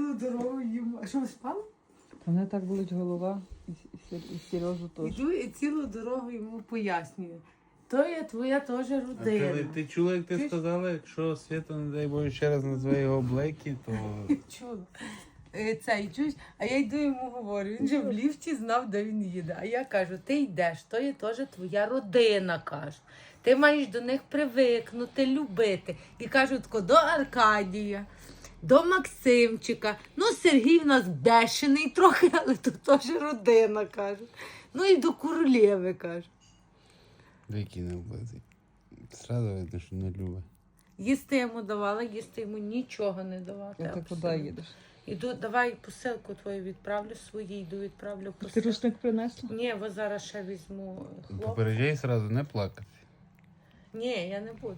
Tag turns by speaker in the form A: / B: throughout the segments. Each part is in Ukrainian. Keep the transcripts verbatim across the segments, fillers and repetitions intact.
A: цілу дорогу їм. А що, ви спали?
B: Мене так болить голова, і, і, і Сережу теж.
A: Іду і цілу дорогу йому пояснюю. То є твоя теж
C: А
A: родина.
C: коли ти чула, як ти
A: Ти ж-
C: сказала, якщо Свята, не дай Боже, ще раз назве його Блекі, то
A: Чула. Е, Це, і чуєш, а я йду йому говорю, він же в ліфті знав, де він їде. А я кажу, ти йдеш, то є теж твоя родина, кажу. Ти маєш до них привикнути, любити. І кажу, тако, до Аркадія, до Максимчика. Ну, Сергій в нас бешений трохи, але то теж родина, кажу. Ну і до Королєви, кажу.
C: Віки не облизий. Зразу видно, що не любить.
A: Їсти я йому давала, їсти йому нічого не давати.
B: А ти
A: абсолютно.
B: куди їдеш?
A: Іду, давай посилку твою відправлю, свої йду відправлю
B: Ти
A: посилку.
B: рушник принесла?
A: Ні, бо зараз ще візьму хлоп.
C: Попереджай зразу, не плакати.
A: Ні, я не буду.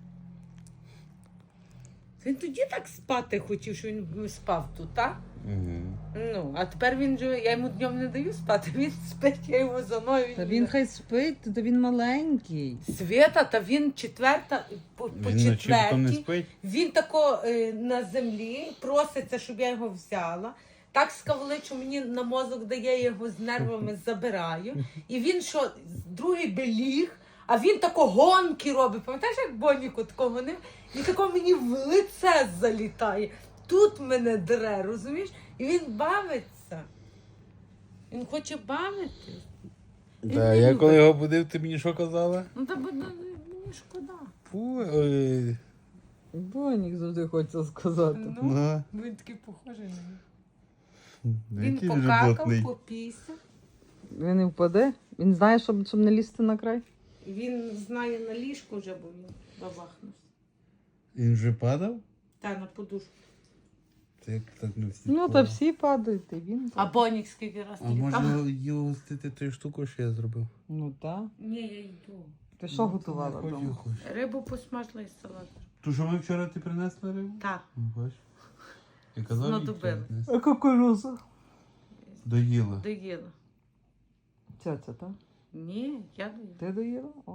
A: Він тоді так спати хотів, що він спав тут, так?
C: Угу.
A: Ну, а тепер він же, я йому днем не даю спати, він спить, я його за мною.
B: Та він хай спить, та він маленький.
A: Свята, та він четверта, по, по
C: Він ночі потім не
A: четвертій,
C: спить.
A: він тако е, на землі проситься, щоб я його взяла. Так скавличу мені на мозок дає, я його з нервами забираю. І він що, другий би ліг, а він тако гонки робить. Пам'ятаєш, як Боніку такого не? І тако мені в лице залітає. Тут мене дре, розумієш? І він бавиться. Він хоче бавитись. Він
C: Да,
A: не
C: я
A: любить.
C: коли його будив, ти мені що казала?
A: Ну, та буде мені шкода.
C: Фу, ой.
B: Бонік завжди хочеться сказати.
A: Ну,
C: Ну,
A: він такий похожий на нього. Він
C: який вже
A: покакав,
C: блатний.
A: попісяв.
B: Він не впаде? Він знає, щоб, щоб не лізти на край?
A: Він знає на ліжку вже, бо він бабахнувся.
C: Він вже падав?
A: Та на подушку.
C: Це як так не всі.
B: Ну, та всі падають, і він.
A: А Бонік скільки раз
C: А
A: літав?
C: може його гостити тою штукою, що я зробив?
B: Ну так.
A: Ні, я йду.
B: Ти що готувала
C: Хочу,
B: вдома?
C: хочу.
A: Рибу посмажила і салат.
C: То, що ми вчора ти принесла рибу?
A: Так.
C: Ну, бач. Я казав, їй
A: Знадобилось.
C: вчора принести.
B: А кукуруза?
C: Доїла.
A: Доїла.
B: Ця-ця, так?
A: Ні, я доїла.
B: Ти доїла? О.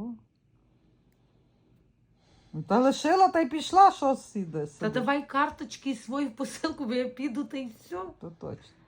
B: Ну, та лишила, та й пішла, що сіде.
A: Та давай карточки і свою посилку, бо я піду, та й все.
B: То точно.